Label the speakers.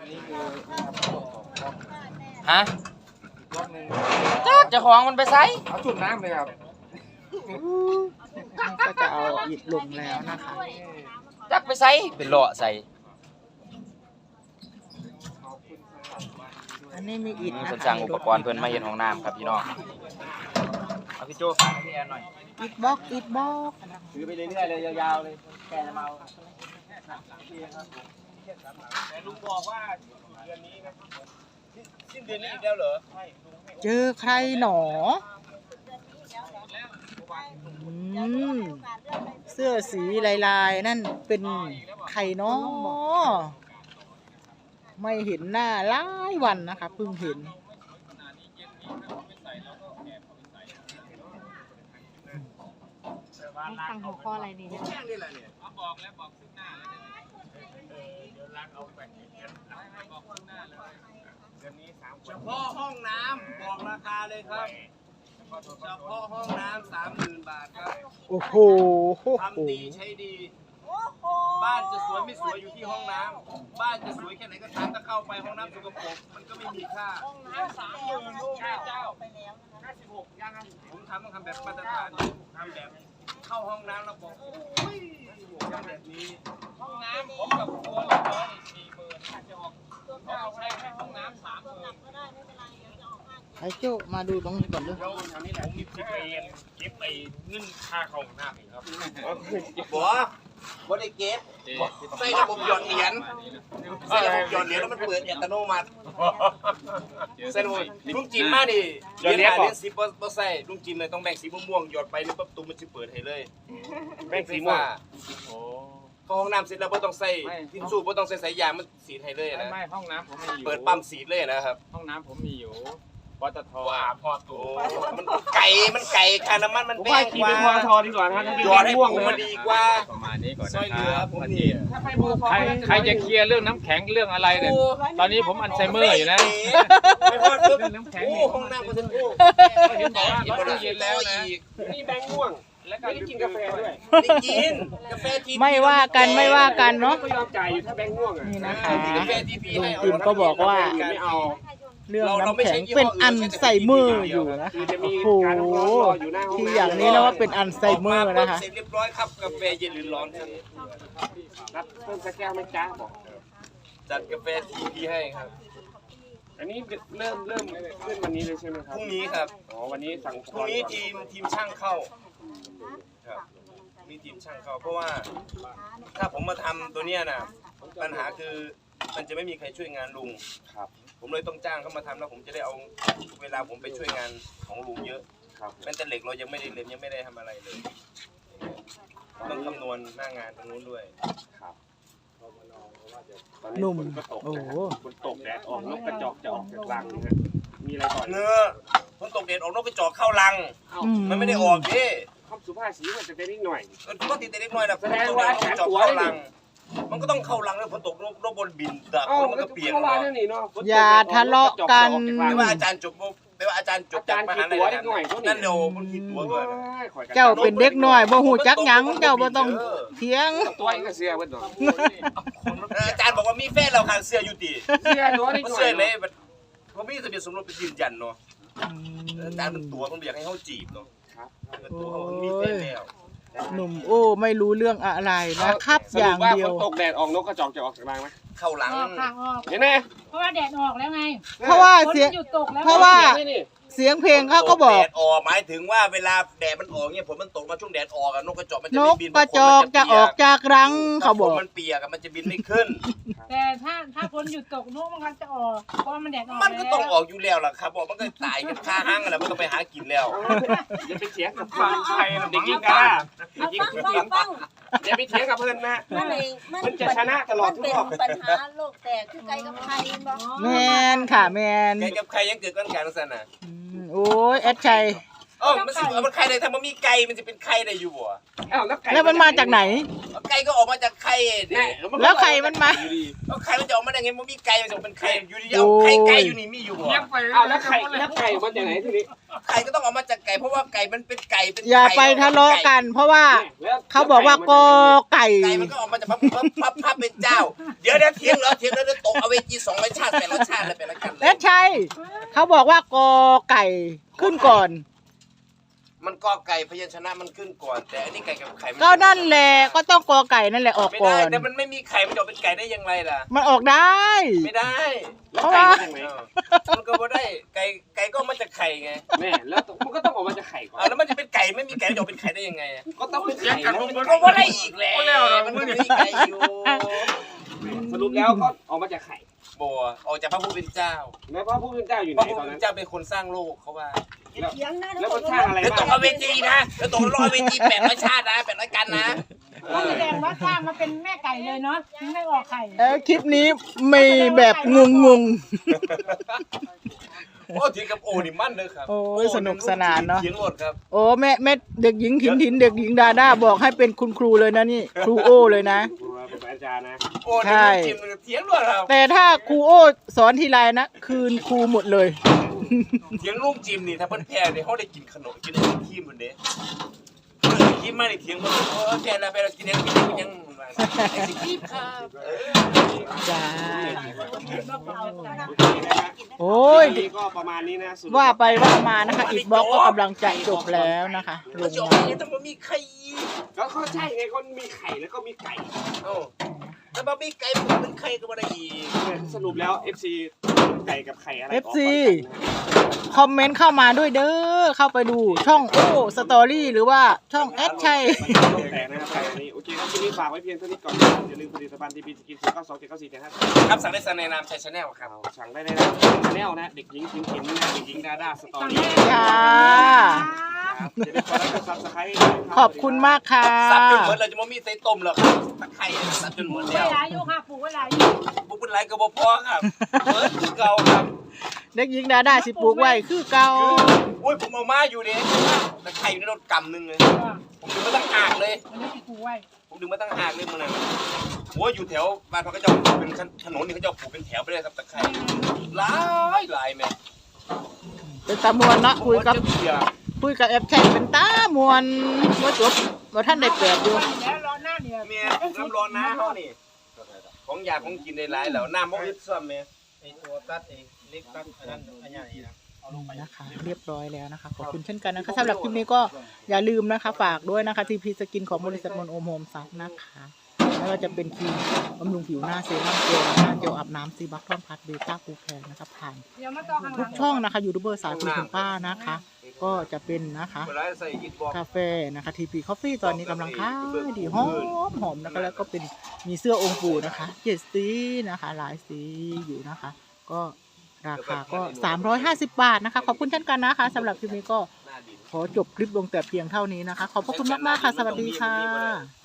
Speaker 1: ฮะจักเจ้าของมันไปไส
Speaker 2: เอาจุ่มน้ำเลยครับ
Speaker 3: ก็จะเอาอิฐลงแล้วนะคะ
Speaker 1: จักไปไสเป็นเลาะใส่
Speaker 3: อันนี้มีอิฐนะ
Speaker 1: เพิ่น
Speaker 3: คะ
Speaker 1: สั่งอุปกรณ์เพิ่นมาเฮ็ดห้องน้ำครับพี่น้องเอาพี่โจ้ฝากให้พี่แอนหน่อย
Speaker 3: อิฐบล็อกอิฐบล็อก
Speaker 1: ถือไปเรื่อยๆเลยยาวๆเลยแกจะมาเอาแต่ลุงบอกว่าเดือนนี้นะสิ้นเดือนนี้อีกแล้วเหรอ
Speaker 3: เจอใครหนอเสื้อสีลายๆนั่นเป็นใครเนาะไม่เห็นหน้าหลายวันนะคะเพิ่งเห็น
Speaker 4: ฟังหัวข้ออะไรนี่เนี่ย
Speaker 5: เฉพาะห้องน้ำบอกราคาเลยครับเฉพาะห้องน้ำ30,000 บาทครับ
Speaker 3: โอ้โห
Speaker 5: ทำดีใช้ดีบ้านจะสวยไม่สวยอยู่ที่ห้องน้ำบ้านจะสวยแค่ไหนก็ตามถ้าเข้าไปห้องน้ำสกปรกมันก็ไม่มีค่าห้องน้ำ30,000ลูกเจ้า56ยังผมต้องทำแบบมาตรฐานทำแบบเข้าห้องน้ำแล้วบอกทำแบบนี้ห้องน้ำผมกับครัวเรา40,000ถ้าจะออกเอาใช้แค่ห้องน้ำ30,000
Speaker 3: ไอ้โจ้มาดูตรงนี้ก่อนด้วย
Speaker 5: ผมคิดเองเก็บไปเงินค่าเข้าห้องน้ำเองครับบ่ได้เก็บใส่ระบบหยอดเหรียญใส่ระบบหยอดเหรียญแล้วมันเปิดอัตโนมัติใส่ระบบลุงจิมมาดิเหรียญ10บ่ใส่ลุงจิมเลยต้องแบ่งสีม่วงหยอดไปแล้วปั๊บตุ้มมันสิเปิดให้เลยแบ่งสีม่วงเข้าห้องน้ำเสร็จแล้วบ่ต้องใส่ทิชชู่บ่ต้องใส่สายยางมันสีดให้เลยนะ
Speaker 2: ไม่ห้องน้ำผมมีอยู่
Speaker 5: เปิดปั๊มสีดเลยนะครับ
Speaker 2: ห้องน้ำผมมีอยู่ปตท
Speaker 5: ว่าพอตัวมันไก่ค่าน้ำมันมัน
Speaker 2: ผม
Speaker 5: แพ
Speaker 2: ว่าง ขี่
Speaker 5: ก
Speaker 2: เป็นป
Speaker 5: ว่า
Speaker 2: ตทดีกว่านะถ้าเป็น
Speaker 5: หยอดให้
Speaker 2: ม่วง
Speaker 5: ผม
Speaker 2: นะ
Speaker 5: มันดีกว่า
Speaker 2: ประมาณนี้ก่อน
Speaker 5: ซอย
Speaker 2: นะ
Speaker 5: เหลือ
Speaker 2: ครับ
Speaker 5: ผมนี่
Speaker 2: ใครจะเคลียร์เรื่องน้ำแข็งเรื่องอะไรเนี่ยตอนนี้ผมอัลไซเมอร์อยู่นะ
Speaker 5: ไม่พอปุ๊บ
Speaker 2: เรื่องน้ำแข็ง
Speaker 5: โอ้
Speaker 2: นี่
Speaker 5: ห้องน้ำก็จะโอ้
Speaker 2: ก็เห็นบอกว่าร้อนเย็นแล้วนะ
Speaker 5: นี่แบงค์ม่วง
Speaker 2: แล้วก็กินกาแฟด้วย
Speaker 5: ไม่กินกาแฟที
Speaker 3: ไม่ว่ากันไม่ว่ากันเนาะ
Speaker 2: ก็ยอมจ่ายอยู่ถ้าแบงค์ม่วงอ่ะ
Speaker 3: นี่นะคะ
Speaker 5: กาแฟทีพี
Speaker 3: ลุ
Speaker 5: ให้
Speaker 3: งจิมก็บอกว่า
Speaker 2: ไม่เอา
Speaker 3: เรื่องน้ำแข็งเป็นอัลไซเมอร์อยู่นะคะ
Speaker 2: คือจะมี
Speaker 3: โอ้โห
Speaker 2: การรออยู่หน้าห้อง
Speaker 3: ที่
Speaker 2: น้ำ
Speaker 3: อย่างนี้นะว่าเป็นอัลไซเมอร์นะคะ
Speaker 5: เสร็จเรียบร้อยครับกาแฟเย็นหรือร้อนครับ
Speaker 2: รับเพิ่มสักแก้วไหมจ้าบอก
Speaker 5: จัดกาแฟทีพีให้ครับ
Speaker 2: อันนี้เริ่มขึ้นวันนี้เลยใช่ไหมค
Speaker 5: พ
Speaker 2: รับ
Speaker 5: รุ่งนี้ครับ
Speaker 2: อ๋อวันนี้สั่ง
Speaker 5: พรุ่งนี้ทีมช่างเข้าครับมีทีมช่างเข้าเพราะว่าถ้าผมมาทำตัวเนี้ยนะปัญหาคือมันจะไม่มีใครช่วยงานลุง
Speaker 2: ครับ
Speaker 5: ผมเลยต้องจ้างเขามาทำแล้วผมจะได้เอาเวลาผมไปช่วยงานของลุงเยอะ
Speaker 2: ครับ
Speaker 5: แม้แต่เหล็กเรายังไม่ได้เล่นยังไม่ได้ทำอะไรเลยต้องคำนวณหน้างานตรงนู้นด้วย
Speaker 2: ครับ
Speaker 3: หนุ่ม
Speaker 2: ฝก็ตก
Speaker 3: โอ้
Speaker 2: นะ
Speaker 3: โห
Speaker 2: ฝนตกแดดออกนกกระจอกจะออกจากรังนะฮะมีอะไรก่อน
Speaker 5: เนื้อฝนตกเด็ดออกนกกระจอกเข้ารัง มันไม่ได้ออกดิ
Speaker 2: คำสุภาพสีมันจะได้นิดหน่อย
Speaker 5: ก็ติดแต่เล็กน้อยนะฝน
Speaker 2: แสด
Speaker 5: ต
Speaker 2: ง
Speaker 5: ก
Speaker 2: ว่า
Speaker 5: เด็ดออกกระจอกเข้ารัง มันก็ต้องเข้ารังแล้วฝนตกนกบนบินดับ
Speaker 2: เอ้า
Speaker 5: มันก็เปียก
Speaker 2: เข้าร้านนั่นนี่เนาะฝนตก
Speaker 3: อย่าทะเลาะกัน
Speaker 5: ไม่ว่าอาจารย์จบไม่ว่าอาจารย์จบจากมหาลัยนั่นเร็วมันคิดตัวด้วย
Speaker 3: เจ้าเป็นเด็กน้อยบ่ฮู้จักหยังเจ้าบ่ต้องเถียง
Speaker 2: ตัวเองก็เสียเบิดเนาะ
Speaker 5: อาจารย์บอกว่ามีแฟนเราขางเสื้ออยู่ตี
Speaker 2: เสียตัวนิดหน่อ
Speaker 5: เสื้อย เลยผมมีทะเบียนสมรสเป็นยืนยันเนาะอาจารย์เป็นตัวมันอยากให้เขาจีบเนาะ
Speaker 2: ครับ
Speaker 5: เป็นตัวเขามีแฟนแล้ว
Speaker 3: หนุ่มโอ้ไม่รู้เรื่องอะไรนะครับ อย่างเดียว
Speaker 2: ฝนตกแดดออกนกกระจอกจะออกจากรังไหม
Speaker 5: เข้าหลัง
Speaker 4: ออกค่ะออก
Speaker 2: เห็นไหม
Speaker 4: เพราะว่าแดดออกแล้วไง
Speaker 3: เพราะว่าเสียง
Speaker 4: ฝนมันหยุดตกแล้ว
Speaker 3: เพราะว่า
Speaker 2: นี่
Speaker 3: เสียงเพลงเขาก็บอก
Speaker 5: แดดออกหมายถึงว่าเวลาแดดมันออกเนี่ยฝนมันตกมาช่วงแดดออกอะนกกระจอกมันจะ
Speaker 3: น
Speaker 5: ไม่
Speaker 3: ก
Speaker 5: บิน
Speaker 3: กระจอกจะออกจากรังเขาบอก
Speaker 5: มันเปียกอะมันจะบินไม่ขึ้น
Speaker 4: แต่ถ้าฝนหยุดตกนกมันก็จะออกเพราะว่ามันแดดออก
Speaker 5: มันก็ต้องออกอยู่แล้วล่ะครับบอกมันก็ตายกันคาห้างอะไรมันก็ไปหากินแล้ว
Speaker 2: อย่าไปเถียงกับฟังใครเด็กหญิงกันเด็กหญิงผู้หญิงอย่าไปเถียงกับเพื่อนนะ
Speaker 6: มันเองมัน
Speaker 2: มันจะชนะตลอดทุกรอบ
Speaker 6: มันเป็นปัญหาโลกแตกคือไกลกับไทยบ่
Speaker 3: แมนค่ะแมน
Speaker 5: แกกับใครยังเกิดกันกันสั่นน่ะ
Speaker 3: โอ้ยแอดชัย
Speaker 5: มันไข่ได้ถ้ามันมีไก่มันจะเป็นไข่ได้อยู่บ่
Speaker 2: อ้าวแล้วไก่
Speaker 3: แล้วมันมาจากไหน
Speaker 5: ไก่ก็ออกมาจากไข่เนี่ย
Speaker 3: แล้วไข่มันมา
Speaker 5: แล้วไข่มันจะออกมาได้ไงมันมีไก่มันจะเป็นไข่อยู่ดีเอาไก่อยู่นี่มีอยู่บ่
Speaker 2: อ้าวแล้วไข่มาจากไหนทีนี้
Speaker 5: ไก่ก็ต้องออกมาจากไก่เพราะว่าไก่มันเป็นไก่เป็น
Speaker 3: อย่าไปทะเลาะกัน เพราะว่าเขาบอกว่ากอไก่
Speaker 5: ไก่มันก็ออกมาจากพับเป็นเจ้าเดี๋ยวเถียงแล้วตกเอาเวจี200ชาติ800ชาติเลยเป็นละกันเล
Speaker 3: เอ๊ะ
Speaker 5: ย
Speaker 3: ใช่เขาบอกว่ากอไก่ขึ้นก่อน
Speaker 5: มันก็ไก่พยัญชนะมันขึ้นก่อนแต่อันนี้ไก่กับไข่
Speaker 3: ก็นั่นแหละก็ต้องกอไก่นั่นแหละออก
Speaker 5: ไม่
Speaker 3: ก่อ
Speaker 5: ได้
Speaker 3: น
Speaker 5: แต่มันไม่มีไข่มันจะเป็นไก่ได้ยังไงล่ะ
Speaker 3: มันออกได้
Speaker 5: ไม่ได้
Speaker 2: แล้วไก่มาจากไหน
Speaker 5: มันก็ไม่ได้ไก่ก็มาจากไข่ไง
Speaker 2: แม่แล้วมันก็ต้องออกมาจากไข่ก่อน
Speaker 5: แล้วมันจะเป็นไก่ไม่มีไก่จะเป็นไข่ได้ยังไง
Speaker 2: ก็ต้องเป็นไข่แล้ว
Speaker 5: มันก็ไม่ได้อีกแล้วมันไม่มีไก่อยู่
Speaker 2: สรุปแล้วก็ออกมาจากไข่
Speaker 5: บัวออกจากพระผู้เป็นเจ้า
Speaker 2: แล้วพระผู้เป็นเจ้าอยู่ไห
Speaker 5: พ
Speaker 2: น
Speaker 5: ระผู้
Speaker 2: ตอน
Speaker 5: เป็
Speaker 2: นั้น
Speaker 5: นเจ้าเป็นคนสร้างโลกเขาว่า
Speaker 6: เถียงนะ
Speaker 2: แล้วมันสร้างอะไร
Speaker 5: แล้วต
Speaker 2: บ้าก ง
Speaker 5: เอาเวจีนะแล้วตกรอเวจี800ชาตินะ800กันนะ
Speaker 4: ก็แสดงว่าข้ามมาเป็นแม่ไก่เลยเนาะถึงไม่ออกไข่
Speaker 3: คลิปนี้มีแบบงง
Speaker 5: โอ้ทีกับโอนี่มั่นเลยครับ
Speaker 3: โอ้ยสนุกสนานเนอะ
Speaker 5: เขียนหมดครับ
Speaker 3: ๆโอ้แม่เด็กหญิงถินเด็กหญิงดาด้าบอกให้เป็นคุณครูเลยนะนี่ครูโอเลยนะ
Speaker 2: ครูเป็นอาจารย์นะ
Speaker 5: โอ้
Speaker 3: ใช่
Speaker 5: ทีมเถียงหมดครับ
Speaker 3: แต่ถ้าครูโอสอนทีไรนะคืนครูหมดเลย
Speaker 5: เถียงลูกจิมนี่ถ้าเพิ่นแพ้เนี่ยเขาได้กินขนมกินไอทีมเหมือนเด้ทีมมาได้เถียงหมดโอ้แพ้แล้วไปเรากินยังไอศครีมครับ
Speaker 3: จ้า
Speaker 2: โอ้
Speaker 3: โอ้ย
Speaker 2: ก็ประมาณนี้นะ
Speaker 3: ว่าไปว่ามานะคะอีกบล็อกก็กำลังจะจบแล้วนะคะล
Speaker 5: มัน
Speaker 3: ง
Speaker 5: จะออก
Speaker 3: มา
Speaker 5: มาต้องมีไข่
Speaker 2: ก็เขาใช่ไงก็มีไข่แล้วก็มีไก่
Speaker 5: โอ้แต่บ่มีไก่มันเป็นไข่ก็บ่ได้อีก
Speaker 2: สรุปแล้ว FC ไก่กับไข่อะไร
Speaker 3: FC คอมเมนต์เข้ามาด้วยเด้อเข้าไปดูช่องโอ้สตอรี่หรือว่าช่องแอดชัย
Speaker 2: แต่นะครับไก่นี้โอเคครับทีนี้ฝากไว้เพียงเท่านี้ก่อนอย่าลืมผลิตภัณฑ์ทีพีสกิน09279475
Speaker 5: ครับสั่งได้ในนามชัยชาแนลครับ
Speaker 2: สั่งได้ในแนลนะเด็กหญิงขิมนะเด็กหญิงดาด้าสตอรี่
Speaker 3: จ้า
Speaker 2: จะได้กดไลค์กดซับสไครต์
Speaker 3: ขอบคุณมากค่ะ
Speaker 5: สับจนหมดเลยจะบ่มีใส่ต้มหรอกครับตะไคร้สับจนหมด
Speaker 4: เว
Speaker 5: แล้ว
Speaker 4: ลาอยู่ค่ะปลูกเวลาอยู่
Speaker 5: บุกเป็นไรก็บ่พอครับเบิดคือเก่าครับ
Speaker 3: เด็กหญิงดาด้าสิปลูกไว้คือเก่า
Speaker 5: โอ้ยผมเอามาอยู่ดิตะไคร้อยู่ในรถกำนึงเลยผมดึงมาตั้งหากเลย
Speaker 4: วันนี้ที่ปลูกไว้
Speaker 5: ผมดึงมาตั้งหากเลยมันน่ะโอ้ยอยู่แถวบ้านพระกระจกเป็นถนนนี่เขาจะปลูกเป็นแถวไปเลยครับตะไคร้หลายแม่
Speaker 3: เป็นตามวนเนาะคุยกับแอปแท็กเป็นตามวนว่าจบว่าท่านได้แปดอยู่
Speaker 4: แล้วรอหน้าเนี่ย
Speaker 5: เมียน้ำร้อนนะเฮานี่ของอยากของกินได้หลายแล้วน้ำบ่อึดซ้ำแม่
Speaker 1: ไอตัวตัดไอเล็กตัดอันนั้นอันใหญ่นะ
Speaker 3: นะคะเรียบร้อยแล้วนะคะขอบคุณเช่นกันนะคะสำหรับคลิปนี้ก็อย่าลืมนะคะฝากด้วยนะคะทีพีสกินของบริษัทมนโอมโฮมซับนะคะไม่ว่าจะเป็นครีมบำรุงผิวหน้าเซรั่มเจลหน้าเจลอาบน้ำซีบัคทอมพัดเบต้ากูแพนนะคะผ่าน
Speaker 4: เดี๋ยวมาต่อข้างห
Speaker 3: ทุ
Speaker 4: ลั
Speaker 3: ก
Speaker 4: ง
Speaker 3: ช่องนะคะยูทูบเบอร์สายคุณป้านะคะ ก็จะเป็นนะคะ
Speaker 5: เวลาใส่ยิดบอก
Speaker 3: กาแฟนะคะทีพีคอฟฟี่ตอนนี้กำลังขายดีหอมนะคะแล้วก็เป็นมีเสื้อองค์ปู่นะคะ7 สีนะคะหลายสีอยู่นะคะ ก็ราคาก็350 บาทนะคะขอบคุณเช่นกันนะคะสำหรับคลิปนี้ก็ขอจบคลิปลงแต่เพียงเท่านี้นะคะขอบพระคุณมากๆค่ะสวัสดีค่ะ